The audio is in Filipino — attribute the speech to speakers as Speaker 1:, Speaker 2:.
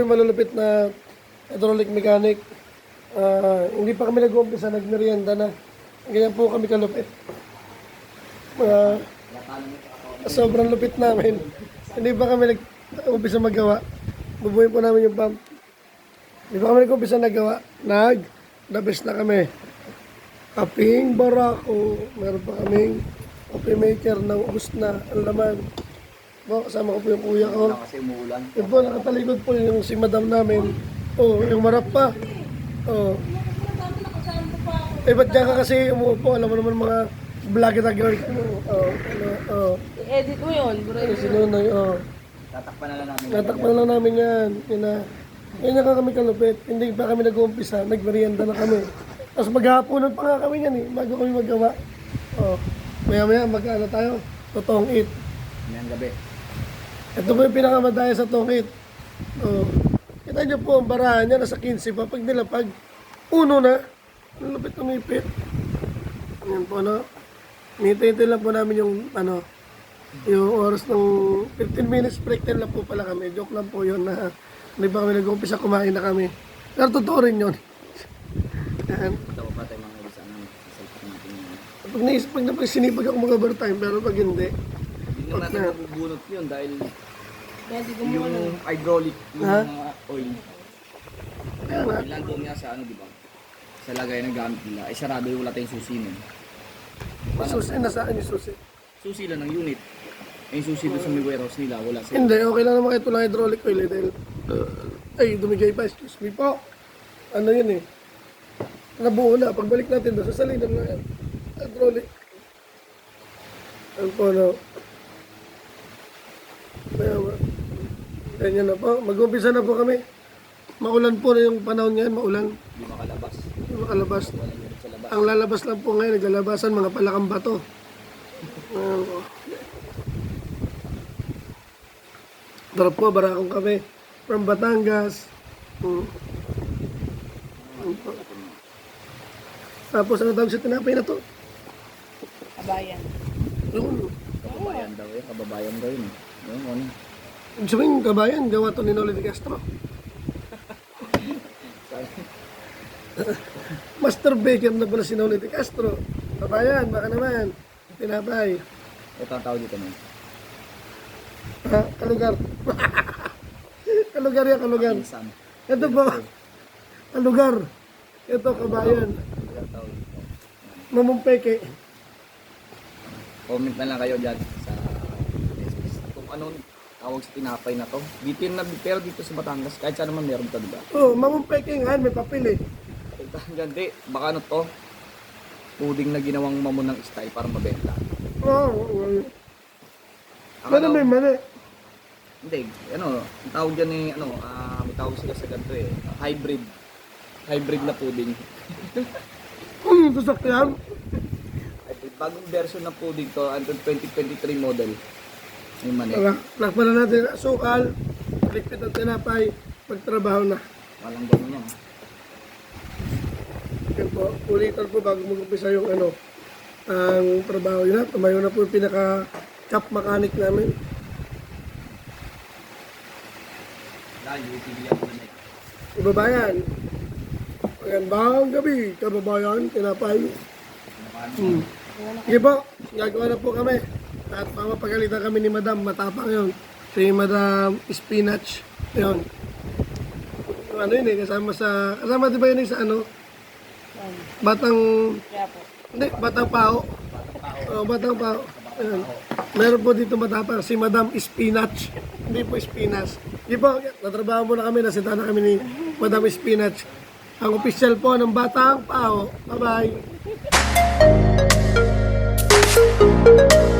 Speaker 1: malulupit na hydraulic mechanic. Hindi pa kami nag-uumpisa, nagmerienda na. Ganyan po kami kalupit. Sobrang lupit namin. Hindi pa kami nag-uumpisa magawa. Bubuhin po namin yung pump. Hindi pa kami nag-uumpisa nagawa. The best na kami. Kaping barako. Meron pa kaming coffee maker na ubos na ang laman. Kasama ko po yung kuya ko.
Speaker 2: Kasi umuulan.
Speaker 1: Yun po, nakatalikod po yung si madam namin. Yung marap pa. Ba't dyan ka kasi umuupo? Alam mo naman mga vlogger na girl.
Speaker 3: I-edit mo yun, bro.
Speaker 1: Sinunoy,
Speaker 2: Tatakpan na lang namin.
Speaker 1: natakpan lang namin yan. Yan na kami kalupit. Hindi pa kami nag-uumpisa. Nagmerienda na kami. Tapos maghahaponan pa nga kami yan bago kami magawa. Maya-maya mag-ano tayo. Totoong eat.
Speaker 2: Ngayong gabi.
Speaker 1: Ito po yung pinakamadaya sa tongit. Kita niyo po, ang barahan niya nasa 15 pa. Pag nilapag, uno na. Ang lupit umipit. Yan po, no? Nitintay lang po namin yung, yung oras ng 15 minutes break time lang po pala kami. Joke lang po yun na hindi pa kami nag-umpisa, kumain na kami. Pero totoo rin yun. Yan.
Speaker 2: Tawa pa tayo mga ibisa namin. Sasalpak natin yun.
Speaker 1: Pag napasinipag ako mag-overtime, pero pag hindi,
Speaker 2: Hindi naman natin mabubunot yun dahil
Speaker 3: Kaya di ko
Speaker 2: yung hydraulic, yung
Speaker 1: Ha?
Speaker 2: mga oil.
Speaker 1: kaya nga.
Speaker 2: Ilan doon nga sa di ba? Sa lagay ng gamit nila. Ay sarado yung wala tayong susi nun.
Speaker 1: Susi, nasa akin yung susi.
Speaker 2: Susi lang ng unit. Ay yung susi doon sa may warehouse nila. Wala sila.
Speaker 1: Hindi, okay lang naman ito lang hydraulic oil dahil ay, dumigay pa, excuse me po. Ano yun nabuo na. Pagbalik natin doon, sasalinan na yan. Hydraulic. Ano po, ganyan na po. Mag-umpisa na po kami. Maulan po na yung panahon ngayon, maulan.
Speaker 2: Hindi makalabas.
Speaker 1: Hindi makalabas.
Speaker 2: Wala unit sa labas.
Speaker 1: Ang lalabas lang po ngayon, naglalabasan mga palakang bato. Ayan po. Darap po, barakong kami. From Batangas. Ayan po. Tapos ano tawag sa tinapay na to?
Speaker 3: Kabayan.
Speaker 1: Yun.
Speaker 2: Kababayan daw eh. Kababayan daw yun. Yung ano.
Speaker 1: Ibig sabihin, kabayan, gawa to ni Noli de Castro. Master Baker na pala si Noli de Castro. Kabayan, baka naman. Tinapay.
Speaker 2: Ito ang tawag dito na.
Speaker 1: Kalugar. Kalugar yan, kalugar.
Speaker 2: Insan.
Speaker 1: Ito po. Kalugar. Ito, kabayan.
Speaker 2: Ito ang tawag dito.
Speaker 1: Mamumpeke.
Speaker 2: Comment na lang kayo dyan sa message. Kung anong tawag sa tinapay na to. Dito yun pero dito sa Batangas. Kahit saan naman meron ito, diba?
Speaker 1: Mamumpeke nga, may papel
Speaker 2: Ito dyan, di. Baka ano to. Puding na ginawang mamunang style para mabenta.
Speaker 1: Ano may mali?
Speaker 2: Hindi, ang tawag dyan eh, may tawag sila sa ganito eh, hybrid. Hybrid na pudding.
Speaker 1: Sasakyan.
Speaker 2: Hybrid. Bagong version ng pudding to, until 2023 model. May mani.
Speaker 1: Lakpan na natin sukal, ligpit ang tinapay, pagtrabaho na.
Speaker 2: Walang ganun yan.
Speaker 1: Yan po, ulitan po bago mag-umpisa yung ang trabaho yun. Tumayo na po yung pinaka-chop mechanic namin.
Speaker 2: Dahil, utiliyan ko na
Speaker 1: Kababayan, magandang gabi, kababayan, tinapay. Sige po, gagawa na po kami. At mamapagalitan kami ni Madam, matapang yun. Si Madam Spinach. Yun. Yung ano yun kasama di ba yun sa Batang,
Speaker 3: Kaya po.
Speaker 1: hindi, Batang Pao. Batang Pao. Ayun. Meron po dito matapang si Madam Spinach. Hindi po Spinas. Hindi po, natrabaho muna kami, nasita na kami ni Madam Spinach. Ang official po ng Batang Pao. Bye-bye.